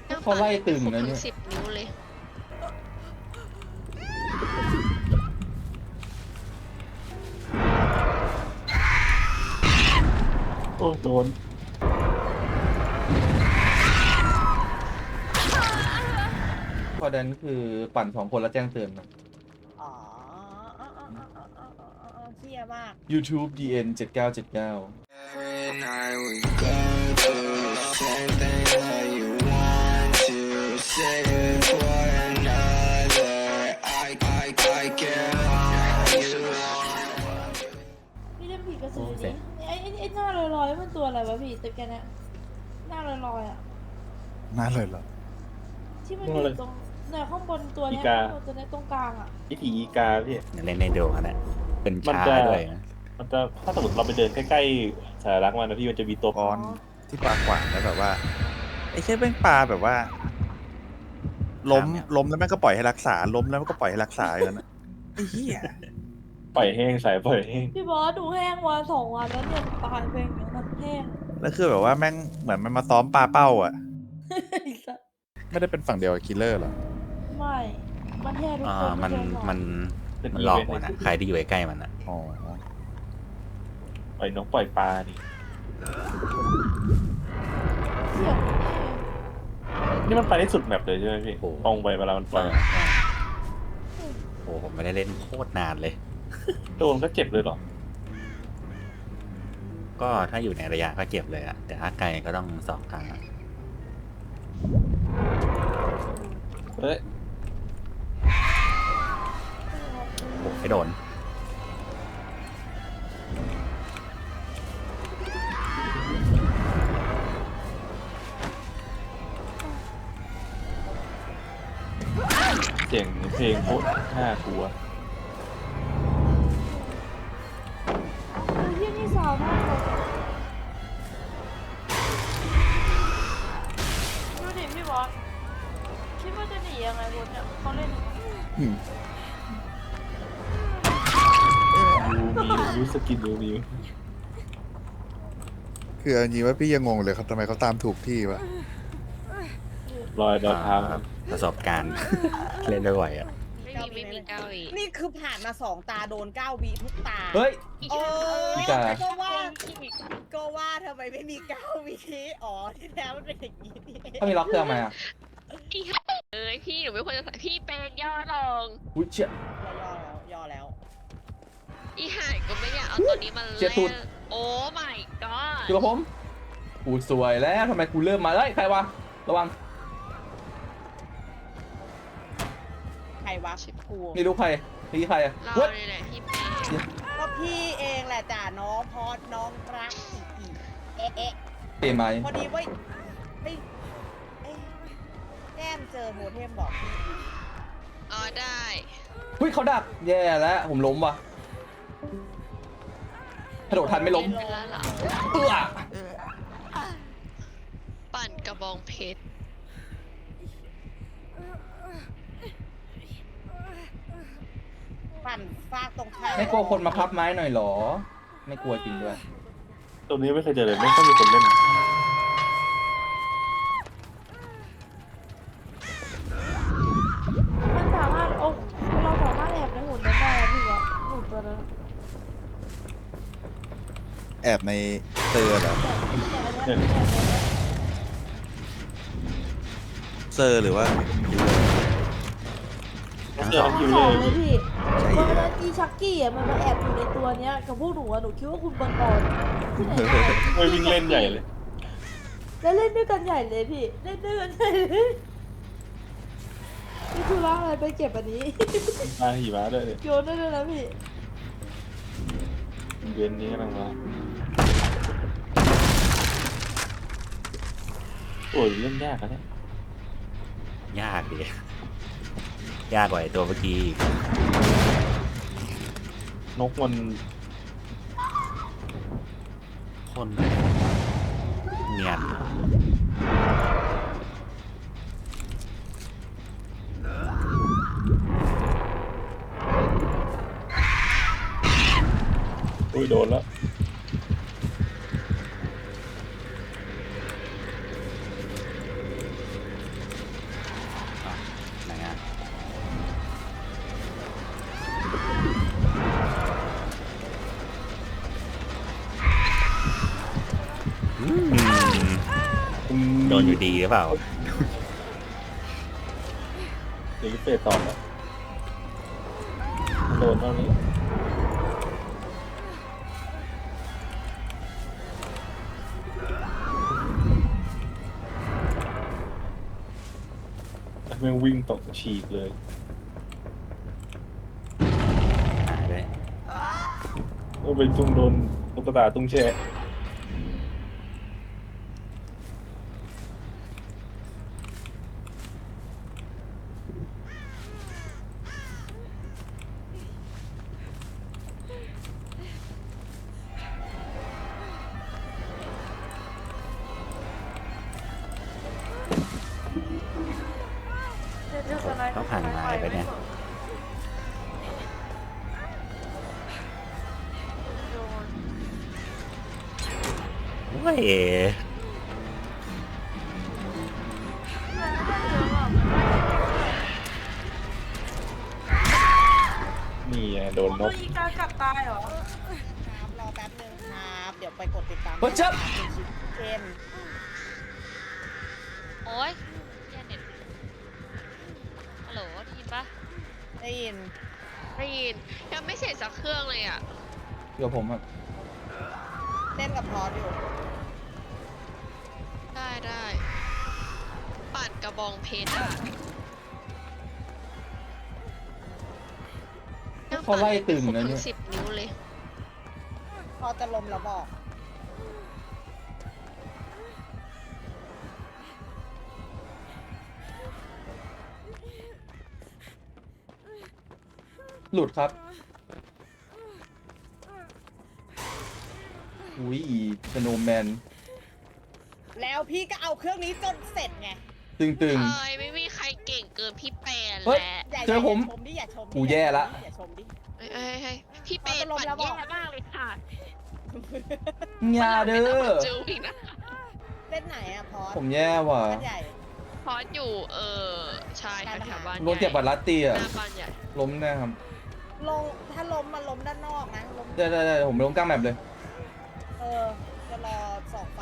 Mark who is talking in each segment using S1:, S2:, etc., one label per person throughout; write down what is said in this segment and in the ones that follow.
S1: เขาไล่ตึง
S2: ครบ
S1: นะ
S2: ทั้
S1: เนี่
S2: ง
S1: ย
S2: 10 นิ้วเลย
S3: โอ้โดน
S1: พอดันคือปั่น2 คนแล้วแจ้งเตือนนะ
S4: อ๋อเชี่ยมาก
S1: YouTube DN 7979
S5: Every night we go through the same thing that you want to say it for another. I get how you want.
S6: พี่เล่นผีกระสือดิไอ้หน้าลอยๆมันตัวอะไรวะพี่ตึกแกเนี่ยหน้าลอยๆอ่ะ
S7: น่าเลยเหรอ
S6: ที่มันอยู่ตรงเนี่ยข้างบนตัวเนี้ยตัวเนี้ยตรงกลางอ่ะ
S3: อีผีอีกาพี่
S8: เล่นในโดกันนะเป็น
S3: มัน
S8: ช้า
S3: จะ
S8: ด้วยนะ
S3: มันจะถ้าสมมติเราไปเดินใกล้ๆสารักมันนะพี่มันจะมีตัว
S7: ตอนที่ปลาขวางแล้วแบบว่าไอ้แค่แม่งปลาแบบว่า ล้มแล้วแม่งก็ปล่อยให้รักษาล้มแล้วมันก็ปล่อยให้รักษาอย่างนั้นนะไอ้เหี้ย
S3: ปล่อยแห้งสายปล่อยแห้ง
S6: พี่บอสดูแห้งวัน2 วันแล้วเนี่ยตายไปอย่างเงี้ยมันแห้ง
S7: แล้วคือแบบว่าแม่งเหมือนมันมาซ้อมปลาเป้าอ่ะ ไม่ได้เป็นฝั่งเดียวกับคิลเลอร์หรอ
S6: ไม่มันแห้งทุก
S8: อ่า
S6: คน
S8: มัน
S6: ไใช่หรอ
S8: มันหลอกมันอะใครที่อยู่ใกล้ๆมันอะ
S7: อ๋อ
S3: ปล่อยนกปล่อยปลานี่
S6: เสียง
S3: นี่มันไปได้สุดแมปเลยใช่ไหมพี่ตรงไปเวลามันปล่อย
S8: โอ้ผมไม่ได้เล่นโคตรนานเลย
S3: โดนก็เจ็บเลยเหรอ
S8: ก็ถ้าอยู่ในระยะก็เจ็บเลยอะแต่ถ้าไกลก็ต้อง2 ครั้งอะ
S3: เฮ้ย
S8: โอ้ไม่โดน
S3: เสียงเพลงโคตรน่ากลัว
S6: ที่นี่สาวมากเลยดูดิพี่บอสคิดว่าจะหนียังไงบนเนี่ยเขาเล่น
S3: ยูสกินดูมิว
S7: คือเอาจริงว่าพี่ยังงงเลยครับทำไมเขาตามถูกที่วะ
S3: รอยดาวเท้า
S8: ประสบการณ์ เล่นบ่อยๆอะ
S2: ไม่มีเก้าอีก
S4: นี่คือผ่านมา2 ตาโดน9 วิทุกตา
S1: เฮ้ย
S4: เออ
S1: อีกา
S4: ก็ว่าทำไมไม่มี9 วิอ๋อที่แล้วมันเป็นอย่างนี้นี่เอง
S1: ถ้ามีล็อกเครื่องมาอ่ะ
S2: พี่พี่หนูไม่ควรจะใส่พี่เป็นย่อลง
S1: อุ้ยเชี่ย
S4: ย่อแล้ว
S2: อีหายก็ไม่อยากเอาตัวนี้มา
S1: เจ็
S2: เล่
S1: บตูด
S2: นโอ้ my god
S1: คือผมกูสวยแล้วทำไมกูเริ่มมาเฮ้ยใครวะระวัง
S4: ใครวะกู
S1: นี่รู้ใครนี่ใครอ่ะ
S2: เรา
S1: เว้ย
S2: เนี่ยแหละพี่เป็น
S4: ก็พี่เองแหละจ้ะน้องพอดน้องรักอีเอ๊ะ
S1: เตะไหม
S4: พอดีว่าไม่เอ๊ะแก้มเจอโมเทมบอกพี่
S2: อ๋อได้
S1: อุ้ยเขาดักแย่แล้วผมล้มว่ะกระโดดทันไม่ล้ม
S2: เป็นแล้วเหรอ
S1: เอื้อ
S2: ปั่นกระบองเพชร
S4: ปั่นฟากตรงข้าม
S1: ไม่กลัวคนมาพับไม้หน่อยเหรอ ไม่กลัวจริงด้วย
S3: ตรงนี้ไม่เคยเจอเลยไม่ค่อยมีคนเล่น
S6: มันสามารถโอ้เราสามารถแอบในหุ่นนั้นได้อะพี่บอสหุ่นตัวนั้น
S7: แอบในเซอร์เหรอ เซอร์หรือว่าคิลเลอร์
S3: เจอคิว
S6: ส
S3: เล
S6: อง
S3: ย
S6: เลยพี่
S7: ใช่
S6: วัน
S7: แล้
S6: นั้
S7: วน
S6: อีชักกี้อ่ะมันมาแอบอยู่ในตัวเนี้ยกับพวกหนูอ่ะหนูคิดว่าคุณบังกรที่ไหนได้
S3: ไม่วิ่งเล่นใหญ่เลย
S6: แล้วเล่นด้วยกันใหญ่เลยพี่เล่นด้วยกันใหญ่เลยนี่คือร่างอะไรไปเก็บอันนี้
S3: มาหิมะด้วย
S6: โยนได้เลยนะพี่
S3: เวียนนี้กำลังมาโอ้ยเล่นยากอะเนี่ย
S8: ยากดิยากกว่าไอ้ตัวเมื่อกี้อีก
S3: นกมัน
S8: คนเนียน
S3: อุ้ยโดนแล้ว
S8: โดนอยู่ดีหรือเปล่า
S3: เดี๋ยวเฟสต่อแล้วโดนเท่านี้แม่งวิ่งตกฉีกเลย
S8: หายไป
S3: โอ้ไปจุงโดนตุ๊กตาตุ้งแช่
S8: ต้องผ่านไม้ไปเนี่ยโอ้ย
S3: นี่ไงโดนนก
S6: อีกากัดตายเหรอ
S4: ครับรอแป๊บนึงครับ เดี๋ยวไปกดติดตาม
S1: เฮ้ยจับ
S4: เกม
S2: โอ๊ยแย่เน็ตฮัลโหลได้ยินปะ
S4: ได้ยิน
S2: ได้ยินยังไม่เสร็จสักเครื่องเลยอ่ะ
S1: เดี๋ยวผมครับ
S4: เล่นกับพอสอยู่
S2: ได้ปั่นกระบองเพชรอ่ะ
S1: เขาไล่ตึงนะ
S2: ทั้
S1: เนี่
S2: ง
S1: ย
S2: 10 นิ้วเลย
S4: พอจะลมแล้วบอก
S1: หลุดครับอุ้ยสโนว์แมน
S4: แล้วพี่ก็เอาเครื่องนี้จนเสร็จไง
S1: ตึง
S2: เอ้ยไม่มีใครเก่งเกินพี่แปน
S1: เฮ้ย
S2: แล้ว
S4: อย่า
S1: เจอผม
S4: ชมดิอย่าชมดิ
S1: กูแย่ละ
S4: อย่าชมดิ
S2: เฮ้ยพี่แปน
S4: เอาจะลง
S2: ปั่น
S4: แล้วบ
S2: แย่
S4: อก
S2: มากเลยค่ะ
S1: ๆงาเด้
S2: ไม่ต้ง
S1: อ
S2: มาจูอีกนะ
S4: เล่นไหนอะพอส
S1: ผมแย่ว่ะ
S4: บ้านใหญ่
S2: พอสอยู่ใช่แถวๆบ้าน
S1: โดนเจ็บบัตรลัตตี้
S2: ห
S1: อ่ะ
S2: น้าบ้านใหญ่
S1: ล้มแน่ครับ
S4: ลงถ้าล้มมาล้มด้านนอกนะล้ม
S1: ได้ผมล้มกลางแมปเลย
S4: จะรอส่องไฟ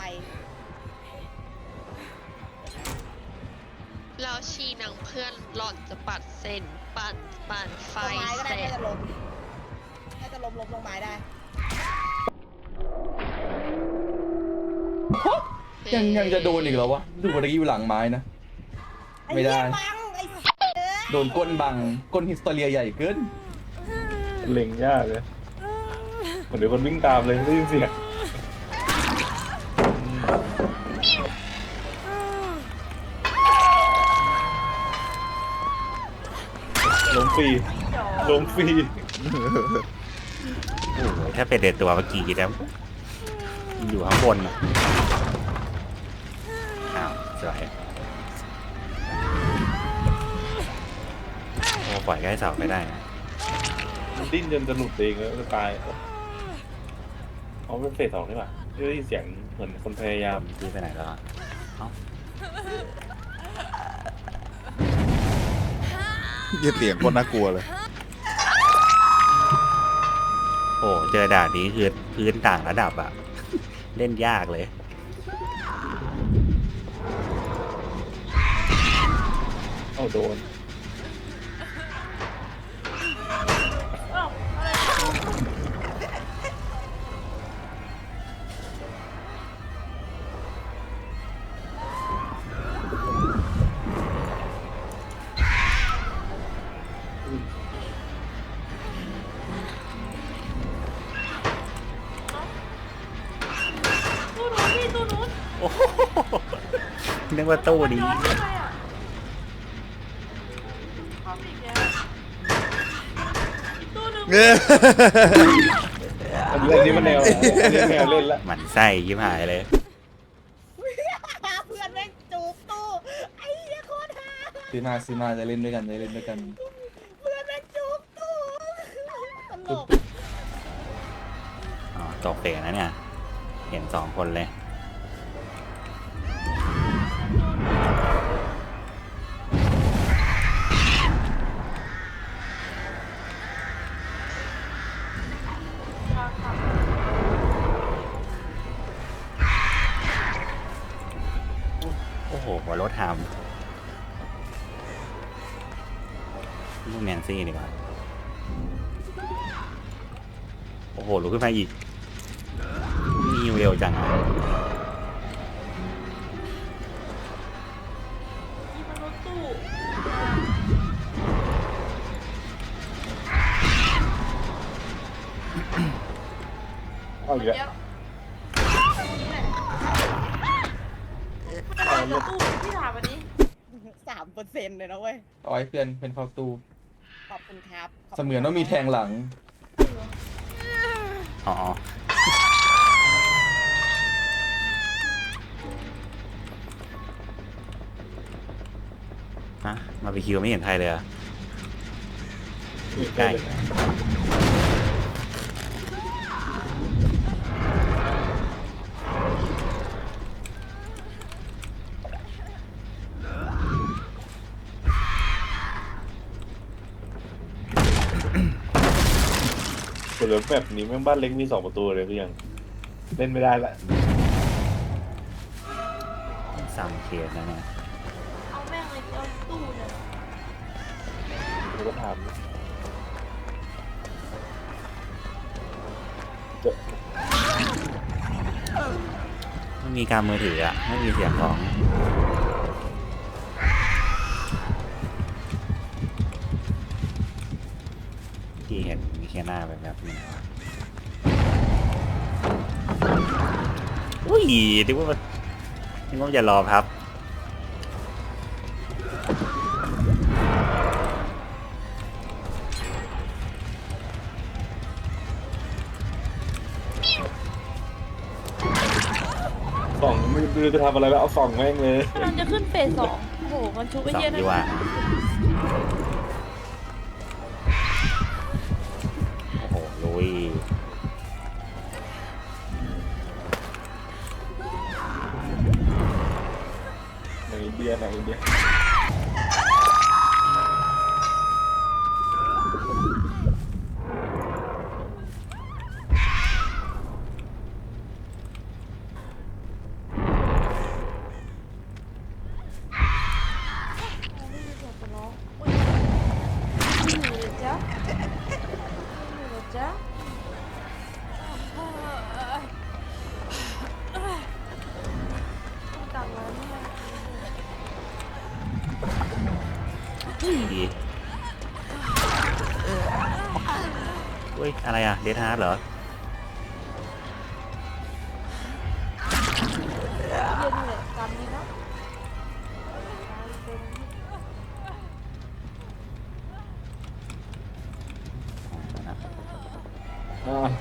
S2: แล้วชีนางเพื่อนหล่อนจะปัดเส้นปั่นไฟ
S4: ลงไม้ก็ได้
S2: เสร็
S4: น่า
S2: จ
S4: จะล้มน่าจะล้มลงไม้ได้
S1: ยังจะโดนอีกเหรอวะดูว่าตะกี้อยู่หลังไม้นะ ไม่ได้
S4: อ้เหี้ยบังไอ้เอ้ย
S1: โดนก้นบังก้นฮิสโตเรียใหญ่เกิน
S3: เล็งยากเลยเหมือนเดี๋ยวคนวิ่งตามเลยได้ยินเสียงล้มฟรีล้มฟรี
S8: โอ้โหถ้าเป็นเด็ดตัวเมื่อกี้นะอยู่ข้างบนอะอ้าวสวยโอ้ปล่อยใกล้เสาไม่ได้นะ
S3: มันดิ้นจนจะหลุดเองแล้วจะตายเอาเป็นเฟสสองนี่ป่ะได้ยินเสียงเหมือนคนพยายาม
S8: พี่ไปไหนแล้วอะเอ้า
S7: ยี่เสียงคนน่ากลัวเลย
S8: โอ้เจอด่านนี้คือพื้นต่างระดับอะ เล่นยากเลย
S3: เอาโดน
S6: ตู้นู้นพี่ตู้นู้น
S8: โอ้โหนึกว่าตู้นี้
S6: ย้อนทำไมอ่ะความอีกแล้วอีกตู้นึง
S3: อันนี้มันแนวอันนี้แนวเล่นละ
S8: หมันไส้ยิ้มหายเลย
S4: เพื่อนแม่งจูบตู้ไอ้เหี้ยโคตรฮา
S1: ซื้อมาจะเล่นด้วยกัน
S4: เพื่อนแม่งจูบตู้ตลก
S8: อ๋อตกเตะนะเนี่ย เห็นสองคนเลย
S3: โ
S8: โอ้โหหัวรถหามลูกแนนซี่ดีกว่าโอ้โหลุกขึ้นมาอีกนี่เร็วจังอะ
S6: นี่มันรถตู้
S3: เอาอีก
S6: เดี๋
S3: แล้ว
S6: ยวนี่แหละมันอะไรรถตู้พี่ถามอันนี้
S4: 3%เลยนะเว้ย
S1: เอาไว้เพื่อนเป็นเข้าตู้
S4: ขอบคุณครับขบคุณ
S1: เสมือนว่ามีแทงหลัง
S8: อ๋อฮะมาไปคิวไม่เห็นใครเลยอะใกล้
S3: เหลือแบบนี้แม่งบ้านเล็กมี2 ประตูเลยพี่ยังเล่นไม่ได้ละ
S8: ซ้ำเคสนะเนี่ย
S6: เอาแม่งเลยเอาตู้เนี่ย
S3: ผมก็ถามเจอ
S8: ไม่มีการมือถืออะไม่มีเสียงของที่เห็นมีแค่หน้าแบบนี้อุ้ยนึกว่าจะรอครับ
S3: ส่องไม่รู้จะทำอะไรแล้วเอาส่องแม่งเลย
S6: กำลังจะขึ้นเฟส2โอ้โหมันชุบไอ้
S8: สอง
S6: เหี้ยนั่
S8: ดี
S6: น
S8: กว่าโอ้โหลุย
S3: ในอินเดียในอินเดีย
S6: ไม่มีเสียงคนร้องอุ้ยไม่อยู่เลยจ๊ะไม่อยู่เลยจ๊ะต้องกลับแล้วเนี่ย
S8: ดีอุ้ยอะไรอะเดทฮาร์ดเหรอ
S6: เย็นเลยกำดีนะเป็น
S3: อ่า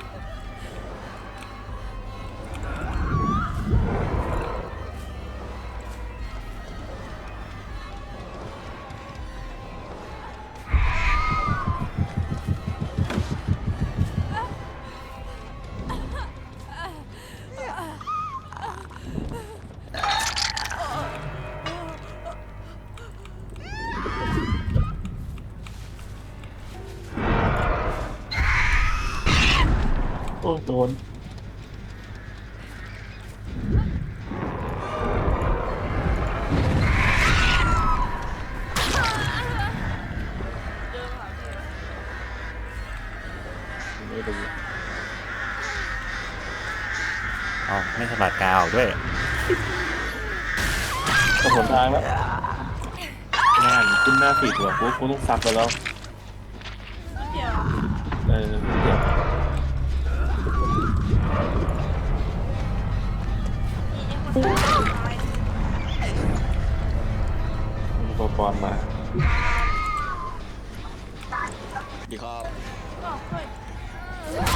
S3: โอ้โดน ไม่รู้
S8: อ๋อไม่สะบัดกาวออกด้วย
S3: ก็หนทางแล้วงานขึ้นหน้าฟีดว่ะกูต้องซับไปแล้ว
S6: เดี๋ยว
S3: เดี๋ยว
S6: นี่ไอ้คนตาย
S3: อุปกรณ์มา
S5: ดีครับ
S6: ก็เฮ้ย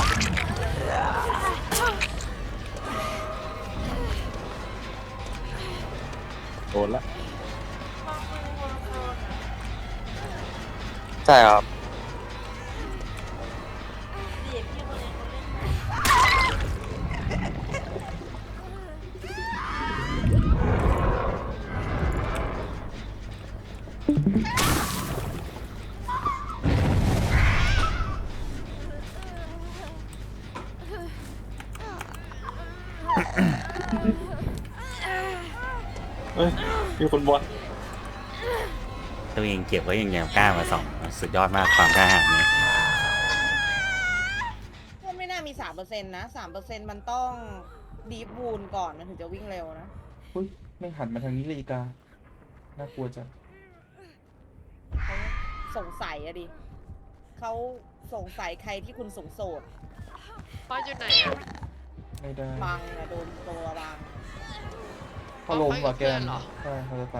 S3: โดนละ
S6: วางมือบนโซน
S5: ใช่ครับ
S6: เดี๋ยวพี่คนเองเขาเล่นให้
S3: เเอ้ยมีคนบอล
S8: ตัวเองเก็บไว้ยังกล้ามาส่องสุดยอดมากความกล้าหาญเนี่ย
S4: ก็ไม่น่ามี 3%นะ 3%มันต้องดีฟวูนก่อนมันถึงจะวิ่งเร็วนะ
S1: อุ้ยไม่งหันมาทางนี้เลยอีกาน่ากลัวจัง
S4: เขาสงสัยอะดิ เขาสงสัยใครที่คุณสงโสด
S2: บอสอยู่ไหนอะ
S1: ไม่ได้
S4: บังอะโดนตัวบัง
S1: เขาลงว่ะแก
S2: เขาอยู่เพื่อนเหรอ
S1: ใช่เขาจะไป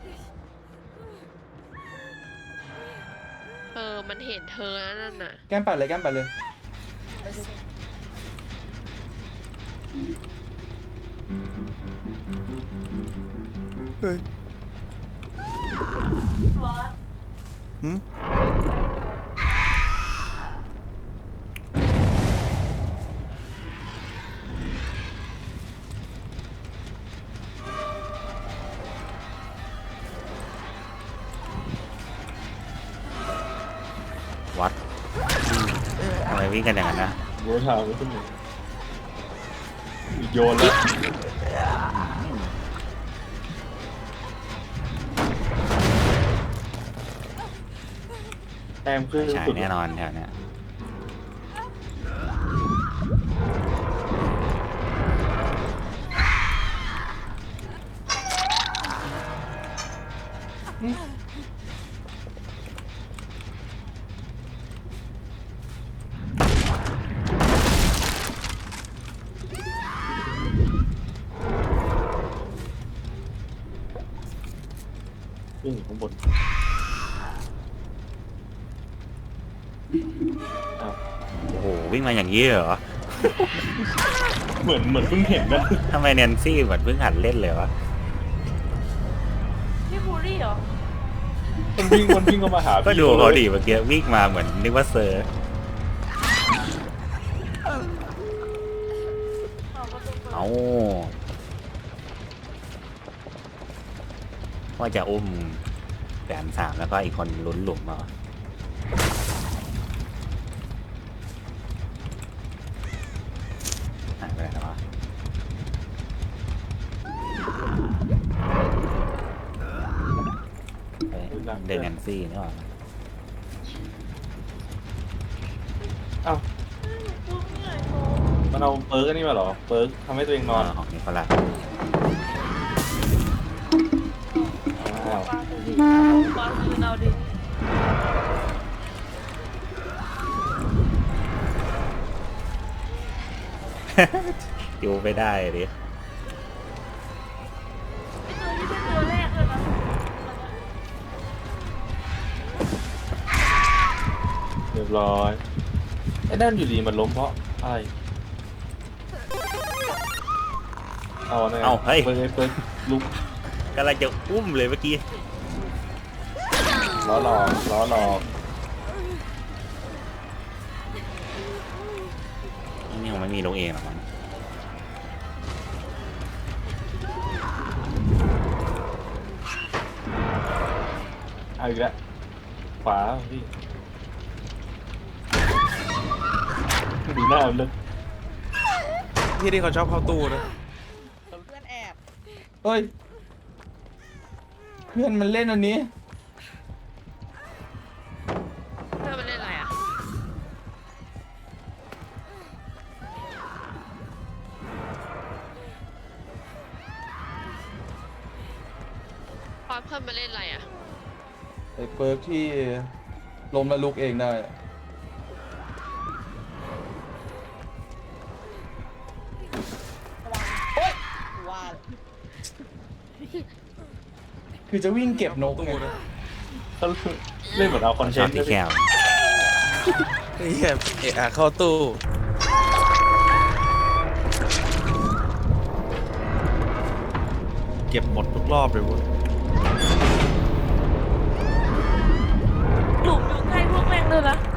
S2: มันเห็นเธอแล้วนั่นน่ะ
S1: แก้มปัดเลยแก้มปัดเลย
S7: เฮ้ยหืม
S8: วัดทำไมวิ่งกันอย่างนั้นนะ
S3: รู้ทางไม่ขึ้นเลยโยนแล้วแต้มขึ้น
S8: ใช่
S3: สุด
S8: แน่นอนแถวเนี้ย
S3: ขึ้นอยู่ข้างบนอ้าว
S8: โอ้โหวิ่งมาอย่างนี้เหรอ
S3: เหมือนเพิ่งเห็นนะ
S8: ทำไมแนนซี่เหมือนเพิ่งหัดเล่นเลยวะ
S6: พี่บูลลี่เหรอ
S3: มันวิ่งเข้ามาหา
S8: ก็
S3: พี่
S8: ดูเขา
S3: ลย
S8: ดิเมื่อกี้วิ่งมาเหมือนนึกว่าเซอร์ เอาว่าจะอุ้มแสนสามแล้วก็อีกคนลุ้นหลุมมาหายไปไหนแล้ววะเฮ้ยเดนแนนซี่นี่หว่า
S3: อ้าวมันเอาเปิร์กอันนี่มาเหรอ เปิร์กทำให้ตัวเองนอน
S8: ของนี้เขาละ
S3: อ้าว
S6: บอลคืนเอาดิ
S8: อยู่ไปได้ดิ
S6: พี่ตัวนี้เป็นตัวแรกเลยนะ
S3: เรียบร้อยไอ้ด้านอยู่ดีมันล้มเพราะอะไรเอาเนี่ย
S8: เอาเฮ้ย
S3: เปิดลุก
S8: กำลังจะอุ้มเลยเมื่อกี้
S3: ล้อหลอก
S8: นี่คงไม่มีลงเองหรอกมั้ง
S3: เอาอีกแล้วขวาพี่ดูหน้ามันเลย
S7: ที่นี่เขาชอบเข้าตู้นะ
S4: เพื่อนแอบ
S1: เฮ้ย เพื่อนมันเล่นอันนี้
S2: เพื่อนมันเล่นอะไรอะบอสเพื่อนมันเล่นอะไรอะ
S1: ไอ้เปิร์กที่ล้มแล้วลุกเองได้อะ
S4: ว่า
S1: คือจะวิ่งเก็บนกไง
S3: เขาเล่นเหมือนเอาคอนเท
S8: ชอน บ
S3: ต์
S8: ตีแก้ว
S7: เฮ้ยเอะเข้าตู้ เก็บหมดทุกรอบเลยเวุ้ย
S6: หลุมอยู่ใกล้พวกแม่งเลยนะ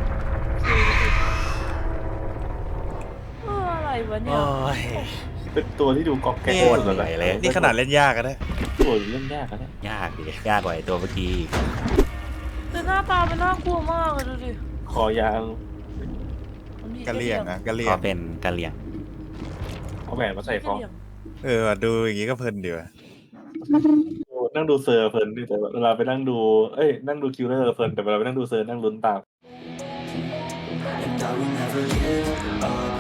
S6: อะไรวะเนี่ย
S7: โอ้ย
S3: เป็นตัวที่ดูก๊อกแก๊ก
S8: โคตร
S3: สุด
S8: เหนื่อยเลย
S7: นี่ขนาดเล่นยากอะนะ
S3: ตัวเล่นยากอะเนี่ย
S8: ยากดิยากกว่าไอ้ตัวเมื่อกี้อีก
S6: แต่หน้าตามันน่ากลัวมากเลยดูดิ
S3: คอยาว
S6: มันมี
S7: กะเลี่ยงนะกะเลี่ย
S8: ก็
S7: ง
S8: เป็นกะเหรี่ยง
S3: เอาแหวนมาใส่คอ
S6: กะเหรี่ยง
S7: ว่ะดูอย่างงี้ก็เพลินดีว่ะ
S3: ในั่งดูเซอร์เพลินดิแต่เวลาไปนั่งดู นั่งดูคิวเลอร์เพลินแต่เวลาไปนั่งดูเซอร์นั่งลุ้นตาม
S5: And I will never give up